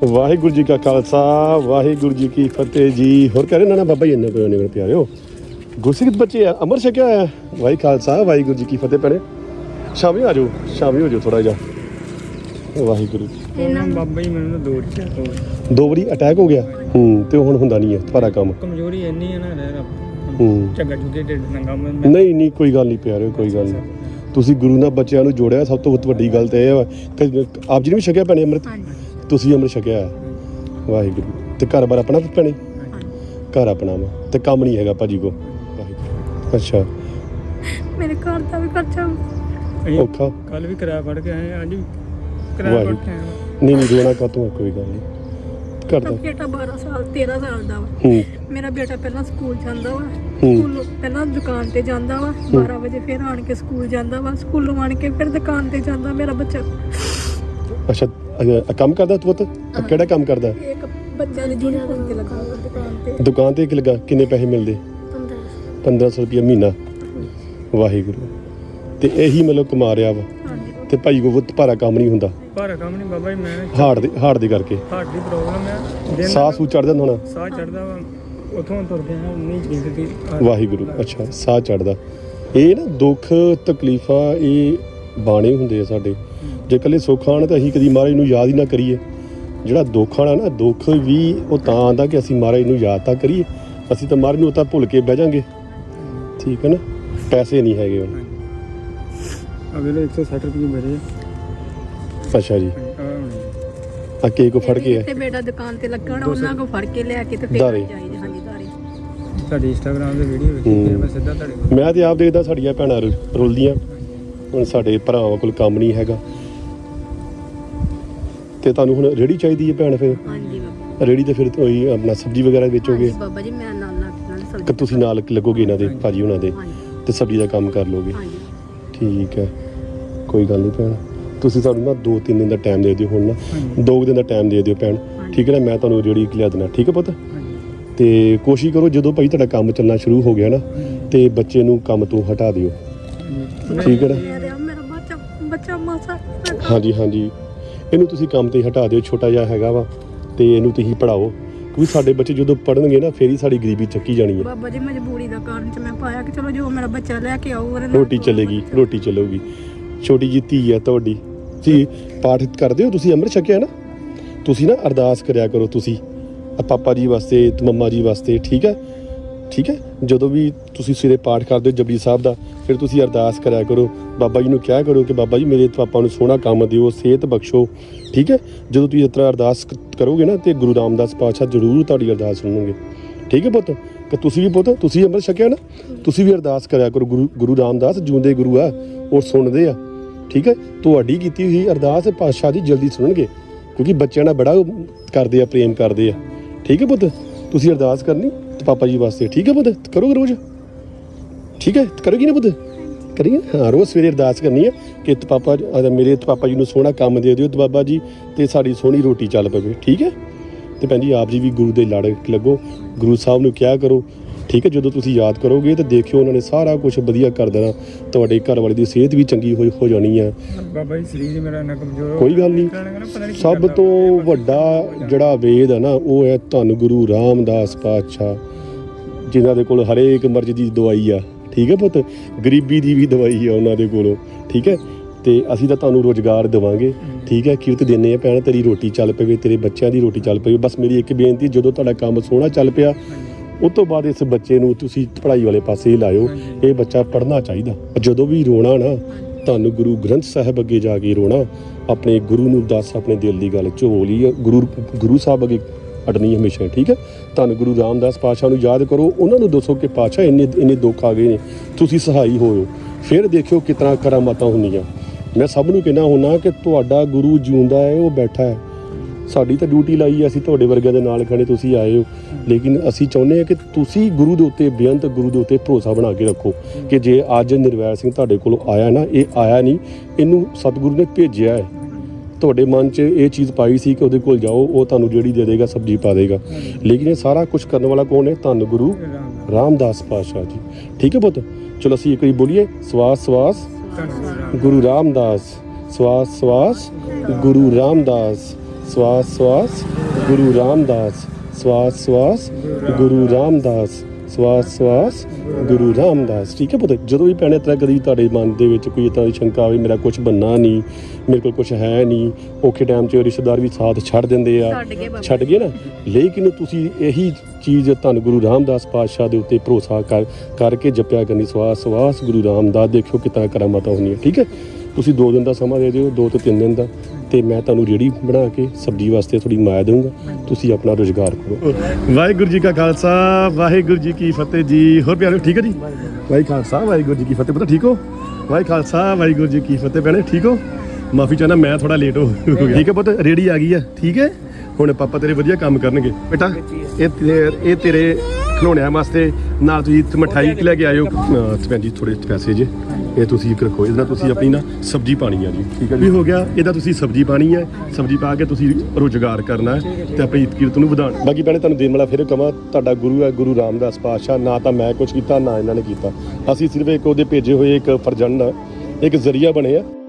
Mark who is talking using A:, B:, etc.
A: ਵਾਹਿਗੁਰੂ ਜੀ ਕਾ ਖਾਲਸਾ ਵਾਹਿਗੁਰੂ ਜੀ ਕੀ ਫਤਿਹ ਜੀ। ਹੋਰ ਕਹਿ ਰਹੇ ਨਾ ਬਾਬਾ ਜੀ ਇੰਨੇ ਕੋਈ ਪਿਆਰਿਓ ਗੁਰਸਿੱਖ ਬੱਚੇ ਆ ਅਮਰ ਛਕਿਆ ਹੋਇਆ। ਵਾਹਿ ਖਾਲਸਾ ਵਾਹਿਗੁਰੂ ਜੀ ਕੀ ਫਤਿਹ ਭੈਣੇ। ਸ਼ਾਮੀ ਆ ਜਾਓ ਸ਼ਾਮੀ ਹੋ ਜਾਓ ਥੋੜਾ ਜਿਹਾ। ਵਾਹਿਗੁਰੂ
B: ਬਾਬਾ ਜੀ ਮੈਨੂੰ
A: ਦੋ ਵਾਰੀ ਅਟੈਕ ਹੋ ਗਿਆ ਤੇ ਹੁਣ ਹੁੰਦਾ ਨਹੀਂ ਹੈ ਤੁਹਾਡਾ ਕੰਮ।
B: ਕਮਜ਼ੋਰੀ ਇੰਨੀ ਹੈ ਨਾ ਝੱਗਾ ਝੁੱਗੇ ਢਿੱਡ ਨੰਗਾ
A: ਨਹੀਂ ਕੋਈ ਗੱਲ ਨਹੀਂ ਪਿਆਰਿਓ ਕੋਈ ਗੱਲ ਨਹੀਂ। ਤੁਸੀਂ ਗੁਰੂ ਨਾਲ ਬੱਚਿਆਂ ਨੂੰ ਜੋੜਿਆ ਸਭ ਤੋਂ ਵੱਡੀ ਗੱਲ ਤਾਂ ਇਹ ਹੈ ਆਪ ਜੀ ਨੇ ਵੀ ਛਕਿਆ ਭੈਣੇ ਅੰਮ੍ਰਿਤ। ਤੁਸੀਂ ਅੰਮ੍ਰਿਤ ਛਕਿਆ ਵਾਹਿਗੁਰੂ। ਤੇ ਘਰ ਬਾਰ ਆਪਣਾ ਭੈਣੇ ਘਰ ਆਪਣਾ ਵਾ ਤੇ ਕੰਮ ਨਹੀਂ ਹੈਗਾ ਭਾਜੀ ਕੋ। ਅੱਛਾ
C: ਮੇਰੇ ਘਰ ਦਾ ਵੀ ਖਰਚਾ
A: ਔਖਾ।
B: ਕੱਲ ਵੀ ਕਿਰਾਇਆ ਫੜ ਕੇ ਆਏ ਅੱਜ ਵੀ ਕਿਰਾਇਆ ਫੜ ਕੇ ਆਏ।
A: ਨਹੀਂ ਰੋਣਾ ਕਾਤੋਂ ਕੋਈ ਗੱਲ ਨਹੀਂ ਕਰਦਾ।
C: ਬੇਟਾ 12 ਸਾਲ 13 ਸਾਲ ਦਾ ਵਾ। ਮੇਰਾ ਬੇਟਾ ਪਹਿਲਾਂ ਸਕੂਲ ਜਾਂਦਾ ਵਾ। ਸਕੂਲ ਪਹਿਲਾਂ ਦੁਕਾਨ ਤੇ ਜਾਂਦਾ ਵਾ 12 ਵਜੇ ਫਿਰ ਆਣ ਕੇ ਸਕੂਲ ਜਾਂਦਾ ਵਾ। ਸਕੂਲੋਂ ਆਣ ਕੇ ਫਿਰ ਦੁਕਾਨ ਤੇ ਜਾਂਦਾ ਮੇਰਾ ਬੱਚਾ।
A: ਅੱਛਾ ਕੰਮ ਕਰਦਾ ਤੂੰ ਪੁੱਤ ਕਿਹੜਾ ਕੰਮ ਕਰਦਾ?
C: ਇੱਕ ਬੱਚਾ ਦੀ ਦੁਕਾਨ ਤੇ ਲੱਗਾ
A: ਦੁਕਾਨ ਤੇ ਕਿ ਲੱਗਾ ਕਿੰਨੇ ਪੈਸੇ ਮਿਲਦੇ? 1500 ਰੁਪਏ ਮਹੀਨਾ। ਵਾਹਿਗੁਰੂ। ਤੇ ਇਹੀ ਮਤਲਬ ਕਮਾ ਰਿਹਾ ਵਾ ਤੇ ਭਾਈ ਕੋ ਬਹੁਤ ਭਾਰਾ ਕੰਮ ਨਹੀਂ ਹੁੰਦਾ।
B: ਭਾਰਾ ਕੰਮ ਨਹੀਂ ਬਾਬਾ ਜੀ ਮੈਂ
A: ਹਾਰਟ ਦੀ ਕਰਕੇ
B: ਹਾਰਟ ਦੀ ਪ੍ਰੋਬਲਮ ਹੈ।
A: ਸਾਹ ਸੂ ਚੜਦਾ ਹੋਣਾ।
B: ਸਾਹ ਚੜਦਾ ਵਾ ਉਥੋਂ ਤੁਰ ਕੇ ਨਹੀਂ ਜਿੰਦਗੀ।
A: ਵਾਹਿਗੁਰੂ। ਅੱਛਾ ਸਾਹ ਚੜਦਾ। ਇਹ ਨਾ ਦੁੱਖ ਤਕਲੀਫਾਂ ਇਹ ਬਾਣੇ ਹੁੰਦੇ ਆ ਸਾਡੇ। ਜੇ ਇਕੱਲੇ ਸੁੱਖ ਆਉਣ ਤਾਂ ਅਸੀਂ ਕਦੀ ਮਹਾਰਾਜ ਨੂੰ ਯਾਦ ਹੀ ਨਾ ਕਰੀਏ। ਜਿਹੜਾ ਦੁੱਖ ਆਉਣਾ ਨਾ ਦੁੱਖ ਵੀ ਉਹ ਤਾਂ ਆਉਂਦਾ ਕਿ ਅਸੀਂ ਮਹਾਰਾਜ ਨੂੰ ਯਾਦ ਤਾਂ ਕਰੀਏ। ਅਸੀਂ ਤਾਂ ਮਹਾਰਾਜ ਨੂੰ ਤਾਂ ਭੁੱਲ ਕੇ ਬਹਿ ਜਾਾਂਗੇ। ਠੀਕ ਹੈ ਨਾ। ਪੈਸੇ ਨਹੀਂ ਹੈਗੇ ਹੁਣ।
B: ਅਗਲੇ 160 ਰੁਪਏ ਮੇਰੇ।
A: ਅੱਛਾ ਜੀ ਆ ਕੇ ਕੋ ਫੜ ਕੇ
C: ਤੇ ਬੇਟਾ ਦੁਕਾਨ ਤੇ ਲੱਗਣਾ ਉਹਨਾਂ ਕੋ ਫੜ ਕੇ ਲਿਆ ਕੇ ਤੇ ਫਿਰ ਜਾਈਦਾ। ਹਾਂਜੀ ਦਾਰੇ
B: ਤੁਹਾਡੀ ਇੰਸਟਾਗ੍ਰਾਮ ਦੇ ਵੀਡੀਓ ਵੇਖੀ ਫਿਰ ਮੈਂ ਸਿੱਧਾ ਤੁਹਾਡੇ ਕੋਲ।
A: ਮੈਂ ਤੇ ਆਪ ਦੇਖਦਾ ਸਾਡੀਆਂ ਭੈਣਾਂ ਰੁਲਦੀਆਂ। ਹੁਣ ਸਾਡੇ ਭਰਾਵਾਂ ਕੋਲ ਕੰਮ ਨਹੀਂ ਹੈਗਾ ਤੇ ਤੁਹਾਨੂੰ ਹੁਣ ਰੇਹੜੀ ਚਾਹੀਦੀ ਹੈ ਭੈਣ। ਫਿਰ
C: ਹਾਂਜੀ ਬਾਬਾ
A: ਰੇਹੜੀ ਤੇ ਫਿਰ ਤੁਸੀਂ ਆਪਣਾ ਸਬਜ਼ੀ ਵਗੈਰਾ ਵੇਚੋਗੇ?
C: ਬਾਬਾ ਜੀ ਮੈਂ ਨਾਲ ਸਬਜ਼ੀ
A: ਕਿ ਤੁਸੀਂ ਨਾਲ ਲੱਗੋਗੇ ਇਹਨਾਂ ਦੇ ਭਾਜੀ ਉਹਨਾਂ ਦੇ ਤੇ ਸਬਜ਼ੀ ਦਾ ਕੰਮ ਕਰ ਲੋਗੇ? ਠੀਕ ਹੈ ਕੋਈ ਗੱਲ ਨਹੀਂ ਭੈਣ। ਤੁਸੀਂ ਸਾਨੂੰ ਨਾ 2-3 ਦਿਨ ਦਾ ਟਾਈਮ ਦੇ ਦਿਓ। ਹੁਣ ਨਾ 2 ਦਿਨ ਦਾ ਟਾਈਮ ਦੇ ਦਿਓ ਭੈਣ। ਠੀਕ ਹੈ ਨਾ। ਮੈਂ ਤੁਹਾਨੂੰ ਰੇਹੜੀ ਲਿਆ ਦੇਣਾ। ਠੀਕ ਹੈ ਪੁੱਤ। ਤੇ ਕੋਸ਼ਿਸ਼ ਕਰੋ ਜਦੋਂ ਭਾਈ ਤੁਹਾਡਾ ਕੰਮ ਚੱਲਣਾ ਸ਼ੁਰੂ ਹੋ ਗਿਆ ਨਾ ਤੇ ਬੱਚੇ ਨੂੰ ਕੰਮ ਤੋਂ ਹਟਾ ਦਿਓ। ਠੀਕ ਹੈ ਨਾ।
C: ਮੇਰਾ ਬੱਚਾ ਮਾਸਾ
A: ਹਾਂਜੀ ਇਹਨੂੰ ਤੁਸੀਂ ਕੰਮ ਤੇ ਹਟਾ ਦਿਓ। ਛੋਟਾ ਜਿਹਾ ਹੈਗਾ ਵਾ ਤੇ ਇਹਨੂੰ ਤੁਸੀਂ ਪੜਾਓ ਕਿਉਂਕਿ ਸਾਡੇ ਬੱਚੇ ਜਦੋਂ ਪੜਨਗੇ ਨਾ ਫੇਰ ਹੀ ਸਾਡੀ ਗਰੀਬੀ ਚੱਕੀ ਜਾਣੀ ਹੈ।
C: ਬਾਬਾ ਜੀ ਮਜਬੂਰੀ ਦਾ ਕਾਰਨ ਚ ਮੈਂ ਪਾਇਆ ਕਿ ਚਲੋ ਜੋ ਮੇਰਾ ਬੱਚਾ ਲੈ ਕੇ ਆਊ
A: ਰੋਟੀ ਚੱਲੇਗੀ ਰੋਟੀ ਚੱਲੂਗੀ। ਛੋਟੀ ਜਿਹੀ ਧੀ ਹੈ ਤੁਹਾਡੀ। ਜੀ ਪਾਠ ਕਰਦੇ ਹੋ ਤੁਸੀਂ? ਅੰਮ੍ਰਿਤ ਛਕਿਆ ਨਾ। ਤੁਸੀਂ ਨਾ ਅਰਦਾਸ ਕਰਿਆ ਕਰੋ ਤੁਸੀਂ ਪਾਪਾ ਜੀ ਵਾਸਤੇ ਤੇ ਮੰਮਾ ਜੀ ਵਾਸਤੇ। ਠੀਕ ਹੈ ਜਦੋਂ ਵੀ ਤੁਸੀਂ ਸਵੇਰੇ ਪਾਠ ਕਰਦੇ ਹੋ ਜਪਜੀ ਸਾਹਿਬ ਦਾ ਫਿਰ ਤੁਸੀਂ ਅਰਦਾਸ ਕਰਿਆ ਕਰੋ। ਬਾਬਾ ਜੀ ਨੂੰ ਕਿਹਾ ਕਰੋ ਕਿ ਬਾਬਾ ਜੀ ਮੇਰੇ ਪਾਪਾ ਨੂੰ ਸੋਹਣਾ ਕੰਮ ਦਿਓ ਸਿਹਤ ਬਖਸ਼ੋ। ਠੀਕ ਹੈ ਜਦੋਂ ਤੁਸੀਂ ਇਸ ਤਰ੍ਹਾਂ ਅਰਦਾਸ ਕਰੋਗੇ ਨਾ ਤੇ ਗੁਰੂ ਰਾਮਦਾਸ ਪਾਤਸ਼ਾਹ ਜ਼ਰੂਰ ਤੁਹਾਡੀ ਅਰਦਾਸ ਸੁਣਨਗੇ। ਠੀਕ ਹੈ ਪੁੱਤ ਕਿ ਤੁਸੀਂ ਵੀ ਪੁੱਤ ਤੁਸੀਂ ਅੰਮ੍ਰਿਤ ਛਕਿਆ ਨਾ ਤੁਸੀਂ ਵੀ ਅਰਦਾਸ ਕਰਿਆ ਕਰੋ। ਗੁਰੂ ਰਾਮਦਾਸ ਜਿਉਂਦੇ ਗੁਰੂ ਆ ਉਹ ਸੁਣਦੇ ਆ। ਠੀਕ ਹੈ ਤੁਹਾਡੀ ਕੀਤੀ ਹੋਈ ਅਰਦਾਸ ਪਾਤਸ਼ਾਹ ਦੀ ਜਲਦੀ ਸੁਣਨਗੇ ਕਿਉਂਕਿ ਬੱਚਿਆਂ ਨਾਲ ਬੜਾ ਕਰਦੇ ਆ ਪ੍ਰੇਮ ਕਰਦੇ ਆ। ਠੀਕ ਹੈ ਪੁੱਤ ਤੁਸੀਂ ਅਰਦਾਸ ਕਰਨੀ ਤੇ ਪਾਪਾ ਜੀ ਵਾਸਤੇ। ਠੀਕ ਹੈ ਪੁੱਤ ਕਰੋਗੇ ਰੋਜ਼? ਠੀਕ ਹੈ ਕਰੋਗੀ ਨਾ ਪੁੱਤ? ਕਰੀਏ ਹਾਂ ਰੋਜ਼ ਸਵੇਰੇ ਅਰਦਾਸ ਕਰਨੀ ਹੈ ਕਿ ਪਾਪਾ ਮੇਰੇ ਪਾਪਾ ਜੀ ਨੂੰ ਸੋਹਣਾ ਕੰਮ ਦੇ ਦਿਓ ਤੇ ਬਾਬਾ ਜੀ ਤੇ ਸਾਡੀ ਸੋਹਣੀ ਰੋਟੀ ਚੱਲ ਪਵੇ। ਠੀਕ ਹੈ ਤੇ ਭੈਣ ਜੀ ਆਪ ਜੀ ਵੀ ਗੁਰੂ ਦੇ ਲੜ ਲੱਗੋ। ਗੁਰੂ ਸਾਹਿਬ ਨੂੰ ਕਿਹਾ ਕਰੋ। ਠੀਕ ਹੈ ਜਦੋਂ ਤੁਸੀਂ ਯਾਦ ਕਰੋਗੇ ਤਾਂ ਦੇਖਿਓ ਉਹਨਾਂ ਨੇ ਸਾਰਾ ਕੁਝ ਵਧੀਆ ਕਰ ਦੇਣਾ। ਤੁਹਾਡੇ ਘਰ ਵਾਲੇ ਦੀ ਸਿਹਤ ਵੀ ਚੰਗੀ ਹੋ ਜਾਣੀ ਹੈ।
B: ਬਾਬਾ ਜੀ ਸਰੀਰ ਮੇਰਾ ਇੰਨਾ ਕਮਜ਼ੋਰ
A: ਕੋਈ ਗੱਲ ਨਹੀਂ। ਸਭ ਤੋਂ ਵੱਡਾ ਜਿਹੜਾ ਵੇਦ ਹੈ ਨਾ ਉਹ ਹੈ ਧੰਨ ਗੁਰੂ ਰਾਮਦਾਸ ਪਾਤਸ਼ਾਹ ਜਿਨ੍ਹਾਂ ਦੇ ਕੋਲ ਹਰੇਕ ਮਰਜ਼ ਦੀ ਦਵਾਈ ਆ। ਠੀਕ ਹੈ ਪੁੱਤ ਗਰੀਬੀ ਦੀ ਵੀ ਦਵਾਈ ਆ ਉਹਨਾਂ ਦੇ ਕੋਲੋਂ। ਠੀਕ ਹੈ ਤੇ ਅਸੀਂ ਤਾਂ ਤੁਹਾਨੂੰ ਰੁਜ਼ਗਾਰ ਦੇਵਾਂਗੇ। ਠੀਕ ਹੈ ਕਿਰਤ ਦਿੰਦੇ ਆ ਭੈਣ ਤੇਰੀ ਰੋਟੀ ਚੱਲ ਪਵੇ ਤੇਰੇ ਬੱਚਿਆਂ ਦੀ ਰੋਟੀ ਚੱਲ ਪਵੇ। ਬਸ ਮੇਰੀ ਇੱਕ ਬੇਨਤੀ ਜਦੋਂ ਤੁਹਾਡਾ ਕੰਮ ਸੋਹਣਾ ਚੱਲ ਪਿਆ ਉਸ ਤੋਂ ਬਾਅਦ ਇਸ ਬੱਚੇ ਨੂੰ ਤੁਸੀਂ ਪੜ੍ਹਾਈ ਵਾਲੇ ਪਾਸੇ ਹੀ ਲਾਇਓ। ਇਹ ਬੱਚਾ ਪੜ੍ਹਨਾ ਚਾਹੀਦਾ। ਜਦੋਂ ਵੀ ਰੋਣਾ ਨਾ ਤੁਹਾਨੂੰ ਗੁਰੂ ਗ੍ਰੰਥ ਸਾਹਿਬ ਅੱਗੇ ਜਾ ਕੇ ਰੋਣਾ। ਆਪਣੇ ਗੁਰੂ ਨੂੰ ਦੱਸ ਆਪਣੇ ਦਿਲ ਦੀ ਗੱਲ ਝੋਲੀ ਗੁਰੂ ਸਾਹਿਬ ਅੱਗੇ ਅੜਨੀ ਹਮੇਸ਼ਾ। ਠੀਕ ਹੈ ਤੁਹਾਨੂੰ ਗੁਰੂ ਰਾਮਦਾਸ ਪਾਤਸ਼ਾਹ ਨੂੰ ਯਾਦ ਕਰੋ। ਉਹਨਾਂ ਨੂੰ ਦੱਸੋ ਕਿ ਪਾਤਸ਼ਾਹ ਇੰਨੇ ਦੁੱਖ ਆ ਗਏ ਨੇ ਤੁਸੀਂ ਸਹਾਈ ਹੋਇਓ। ਫਿਰ ਦੇਖਿਓ ਕਿਤਨਾ ਕਰਾਮਾਤਾਂ ਹੁੰਦੀਆਂ। ਮੈਂ ਸਭ ਨੂੰ ਕਹਿਣਾ ਹੁੰਦਾ ਕਿ ਤੁਹਾਡਾ ਗੁਰੂ ਜਿਉਂਦਾ ਹੈ ਉਹ ਬੈਠਾ ਹੈ। ਸਾਡੀ ਤਾਂ ਡਿਊਟੀ ਲਾਈ ਹੈ ਅਸੀਂ ਤੁਹਾਡੇ ਵਰਗਿਆਂ ਦੇ ਨਾਲ ਖੜੇ ਤੁਸੀਂ ਆਏ ਹੋ ਲੇਕਿਨ ਅਸੀਂ ਚਾਹੁੰਦੇ ਹਾਂ ਕਿ ਤੁਸੀਂ ਗੁਰੂ ਦੇ ਉੱਤੇ ਬੇਅੰਤ ਗੁਰੂ ਦੇ ਉੱਤੇ ਭਰੋਸਾ ਬਣਾ ਕੇ ਰੱਖੋ ਕਿ ਜੇ ਅੱਜ ਨਿਰਵੈਰ ਸਿੰਘ ਤੁਹਾਡੇ ਕੋਲ ਆਇਆ ਨਾ ਇਹ ਆਇਆ ਨਹੀਂ ਇਹਨੂੰ ਸਤਿਗੁਰੂ ਨੇ ਭੇਜਿਆ ਹੈ। ਤੁਹਾਡੇ ਮਨ 'ਚ ਇਹ ਚੀਜ਼ ਪਾਈ ਸੀ ਕਿ ਉਹਦੇ ਕੋਲ ਜਾਓ ਉਹ ਤੁਹਾਨੂੰ ਜਿਹੜੀ ਦੇ ਦੇਗਾ ਸਬਜ਼ੀ ਪਾ ਦੇਗਾ ਲੇਕਿਨ ਇਹ ਸਾਰਾ ਕੁਝ ਕਰਨ ਵਾਲਾ ਕੌਣ ਹੈ? ਧੰਨ ਗੁਰੂ ਰਾਮਦਾਸ ਪਾਤਸ਼ਾਹ ਜੀ। ਠੀਕ ਹੈ ਪੁੱਤ ਚਲੋ ਅਸੀਂ ਇੱਕ ਵਾਰੀ ਬੋਲੀਏ ਸਵਾਸ ਸਵਾਸ ਗੁਰੂ ਰਾਮਦਾਸ ਸਵਾਸ ਸਵਾਸ ਗੁਰੂ ਰਾਮਦਾਸ ਸਵਾਸ ਸਵਾਸ ਗੁਰੂ ਰਾਮਦਾਸ, ਸਵਾਸ ਸਵਾਸ ਗੁਰੂ ਰਾਮਦਾਸ, ਸਵਾਸ ਸਵਾਸ ਗੁਰੂ ਰਾਮਦਾਸ। ਠੀਕ ਹੈ ਪੁੱਤ, ਜਦੋਂ ਵੀ ਭੈਣੇ ਤਰ੍ਹਾਂ ਕਦੀ ਤੁਹਾਡੇ ਮਨ ਦੇ ਵਿੱਚ ਕੋਈ ਇੱਦਾਂ ਦੀ ਸ਼ੰਕਾ ਆਵੇ ਮੇਰਾ ਕੁਝ ਬਣਨਾ ਨਹੀਂ, ਮੇਰੇ ਕੋਲ ਕੁਝ ਹੈ ਨਹੀਂ, ਔਖੇ ਟਾਈਮ 'ਚ ਰਿਸ਼ਤੇਦਾਰ ਵੀ ਸਾਥ ਛੱਡ ਦਿੰਦੇ ਆ, ਛੱਡ ਗਏ ਨਾ, ਲੇਕਿਨ ਤੁਸੀਂ ਇਹੀ ਚੀਜ਼ ਧੰਨ ਗੁਰੂ ਰਾਮਦਾਸ ਪਾਤਸ਼ਾਹ ਦੇ ਉੱਤੇ ਭਰੋਸਾ ਕਰਕੇ ਜਪਿਆ ਕਰਨੀ, ਸਵਾਸ ਸਵਾਸ ਗੁਰੂ ਰਾਮਦਾਸ। ਦੇਖਿਓ ਕਿੱਦਾਂ ਕਰਾਮਾਤਾਂ ਹੁੰਦੀਆਂ। ਠੀਕ ਹੈ, ਤੁਸੀਂ 2 ਦਿਨ ਦਾ ਸਮਾਂ ਦੇ ਦਿਓ, 2 ਤੋਂ 3 ਦਿਨ ਦਾ, ਤੇ ਮੈਂ ਤੁਹਾਨੂੰ ਰੇਹੜੀ ਬਣਾ ਕੇ ਸਬਜ਼ੀ ਵਾਸਤੇ ਥੋੜੀ ਮਾਇਆ ਦਊਂਗਾ, ਤੁਸੀਂ ਆਪਣਾ ਰੁਜ਼ਗਾਰ ਕਰੋ। ਵਾਹਿਗੁਰੂ ਜੀ ਕਾ ਖਾਲਸਾ, ਵਾਹਿਗੁਰੂ ਜੀ ਕੀ ਫਤਿਹ ਜੀ। ਹੋਰ ਪਿਆਰੇ ਠੀਕ ਹੈ ਜੀ? ਵਾਹਿ ਖਾਲਸਾ ਵਾਹਿਗੁਰੂ ਜੀ ਕੀ ਫਤਿਹ। ਪਤਾ ਠੀਕ ਹੋ? ਵਾਹਿ ਖਾਲਸਾ ਵਾਹਿਗੁਰੂ ਜੀ ਕੀ ਫਤਿਹ। ਭੈਣੇ ਠੀਕ ਹੋ? ਮਾਫੀ ਚਾਹਨਾ ਮੈਂ ਥੋੜਾ ਲੇਟ ਹੋ ਗਿਆ। ਠੀਕ ਹੈ ਪੁੱਤ, ਰੇਹੜੀ ਆ ਗਈ ਆ। ਠੀਕ ਹੈ, ਹੁਣ ਪਾਪਾ ਤੇਰੇ ਵਧੀਆ ਕੰਮ ਕਰਨਗੇ ਬੇਟਾ। ਇਹ ਤੇਰੇ ਖਿਡੌਣਿਆਂ ਵਾਸਤੇ ਨਾਲ ਤੁਸੀਂ ਮਠਾਈ ਲੈ ਕੇ ਆਇਓ। ਭੈਣ ਜੀ ਥੋੜੇ ਪੈਸੇ ਜੇ ਇਹ ਤੁਸੀਂ ਰੱਖੋ, ਇਹਦਾ ਤੁਸੀਂ ਆਪਣੀ ਨਾ ਸਬਜ਼ੀ ਪਾਣੀ ਆ ਜੀ। ਠੀਕ ਹੈ ਜੀ, ਹੋ ਗਿਆ। ਇਹਦਾ ਤੁਸੀਂ ਸਬਜ਼ੀ ਪਾਣੀ ਹੈ, ਸਬਜ਼ੀ ਪਾ ਕੇ ਤੁਸੀਂ ਰੁਜ਼ਗਾਰ ਕਰਨਾ ਹੈ ਤੇ ਆਪਣੀ ਕੀਰਤ ਨੂੰ ਵਧਾਉਣਾ। ਬਾਕੀ ਭੈਣੇ ਤੁਹਾਨੂੰ ਦੇਣ ਵਾਲਾ ਫਿਰ ਕਵਾਂ, ਤੁਹਾਡਾ ਗੁਰੂ ਹੈ ਗੁਰੂ ਰਾਮਦਾਸ ਪਾਤਸ਼ਾਹ। ਨਾ ਤਾਂ ਮੈਂ ਕੁਝ ਕੀਤਾ, ਨਾ ਇਹਨਾਂ ਨੇ ਕੀਤਾ, ਅਸੀਂ ਸਿਰਫ ਇੱਕ ਉਹਦੇ ਭੇਜੇ ਹੋਏ ਇੱਕ ਫਰਜ਼ੰਦ, ਇੱਕ ਜ਼ਰੀਆ ਬਣੇ ਆ।